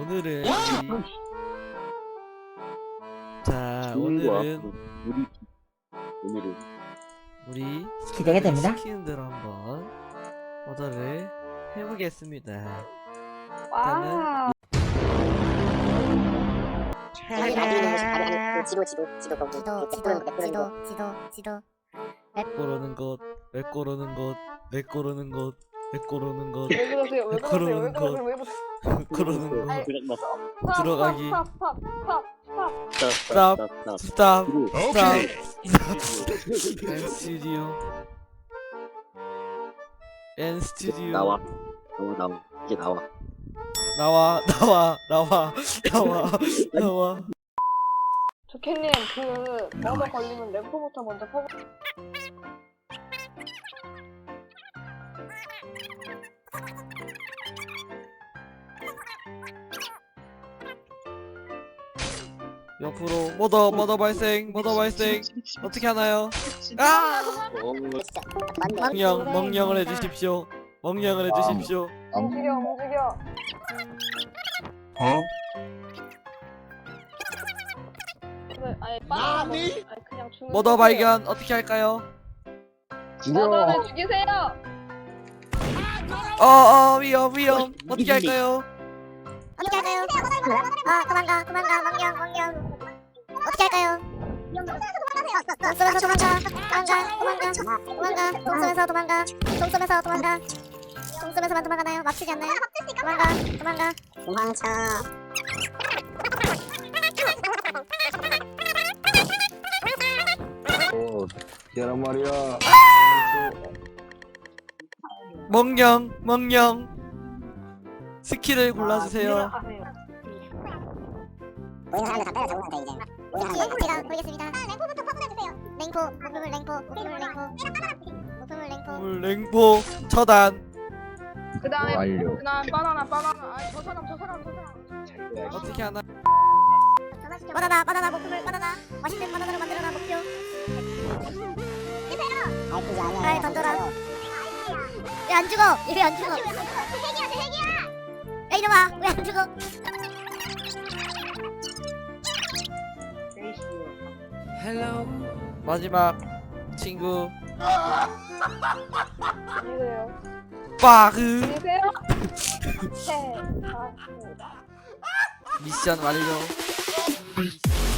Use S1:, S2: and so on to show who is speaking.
S1: 오늘은 오늘은 우리
S2: 기대가 됩니다.
S1: 시키는 대로 한번 오더를 해보겠습니다.
S3: 와. 지도.
S1: 고르는 것, 왜 고르는 것, 왜 고르는 것, 왜 고르는 것,
S3: 왜 그러세요? 왜 그러세요? 왜 그러세요? 왜 그러세요?
S1: 고르는 것,
S3: 스탑,
S1: 들어가기.
S3: 스탑.
S1: 스탑, N 스튜디오.
S4: 나와 이제 나와.
S1: 나와.
S3: 조켓님 그 버거 걸리면 램프부터 먼저 퍼.
S1: 옆으로 머더 발생 어떻게 하나요? 아! 멍령을 해주십시오.
S3: 움직여. 아니 아니 그냥 죽는.
S1: 머더 발견 어떻게 할까요?
S3: 머더를 죽이세요.
S1: 위험 어떻게 할까요?
S5: 도망가 어떻게 할까요? 동섬에서만 도망가나요? 막히지 않나요? 도망가
S4: 계란 말이야.
S1: 멍령 스킬을 골라주세요.
S5: 보이는 사람들 다 때려잡으면 돼 이제. 제가 보이겠습니다. 랭포부터 퍼부어주세요. 목표물
S1: 랭포 처단
S3: 그다음에
S4: 완료.
S3: 바나나. 아니 저 사람.
S1: 어떻게 하나?
S5: 바나나 목표물 바나나. 맛있는 바나나로 만들어라 목표. 잘 던져라. 왜 안 죽어? 야 이놈아 왜 안 죽어?
S1: 마지막 친구
S3: 안녕하세요.
S1: 빠흐
S3: 안녕하세요.
S1: 미션 완료.